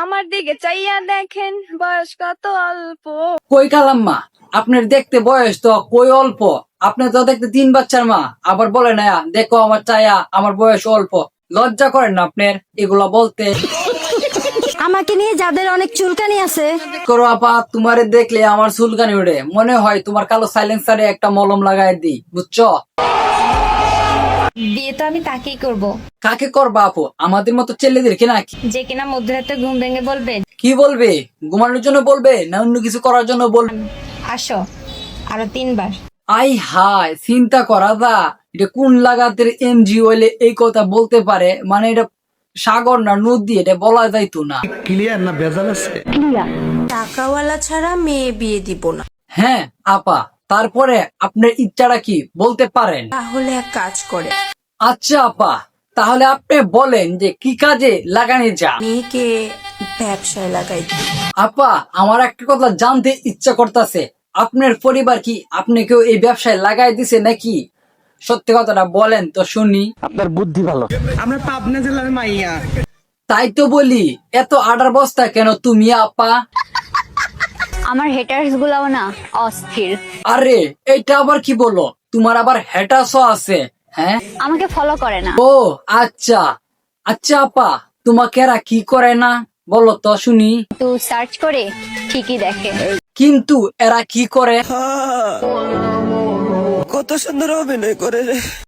আমার দিকে চাইয়া দেখেন বয়স কত অল্প। কই কালাম্মা, আপনার দেখতে বয়স তো কই অল্প, আপনি তো দেখতে 3 বাচ্চার মা, আবার বলে না দেখো আমার চায়া আমার বয়স অল্প। লজ্জা করেন না আপনার এগুলা বলতে? আমাকে নিয়ে যাদের অনেক চুলকানি আছে, করো আপা, তোমারে দেখলে আমার চুলকানি ওঠে, মনে হয় তোমার কালো সাইলেন্সারে একটা মলম লাগাই দিই, বুঝছো? বিয়ে তো আমি তাকেই করব কাকে করবা আপু, আমাদের মতো ছেলেদেরকে নাকি? যে কিনা মধ্যরাতে ঘুম ভেঙে বলবে কি বলবে, ঘুমানোর জন্য বলবে না অন্য কিছু করার জন্য বলবে? আসো আরো 3 বার। আই হায়, চিন্তা করা দা, এটা কোন লাগাতের এমজি হইলে এই কথা বলতে পারে, মানে এটা সাগর না নদী, এটা বলা যাইতো না। ক্লিয়ার না ভেজাল আছে? টাকাওয়ালা ছাড়া মেয়ে বিয়ে দিব না। হ্যাঁ আপা, তারপরে আপনার ইচ্ছাটা কি বলতে পারেন? তাহলে এক কাজ করে আচ্ছা আপা, তাহলে আপনি বলেন যে কি কাজে লাগানো যায়। মেয়েকে ব্যবসায় লাগাই দিই। আপা, আমার একটা কথা জানতে ইচ্ছা করতেছে, আপনার পরিবার কি আপনাকেও এই ব্যবসায় লাগাই দিছে নাকি? সত্যি কথাটা বলেন তো শুনি। আমরা পাবনা জেলার মাইয়া। তাই তো বলি, এত আডার বস্তা কেন তুমি আপা? আমার হেটার্স গুলাও না অস্থির। আরে এটা আবার কি বলো, তোমার আবার হ্যাটাসও আছে? হ্যাঁ, আমাকে ফলো করে না। ও আচ্ছা আচ্ছা আপা, তোমাকে এরা কি করে না বলো তো শুনি। তো সার্চ করে ঠিকই দেখে। কিন্তু এরা কি করে? কত সুন্দর অভিনয় করে রে।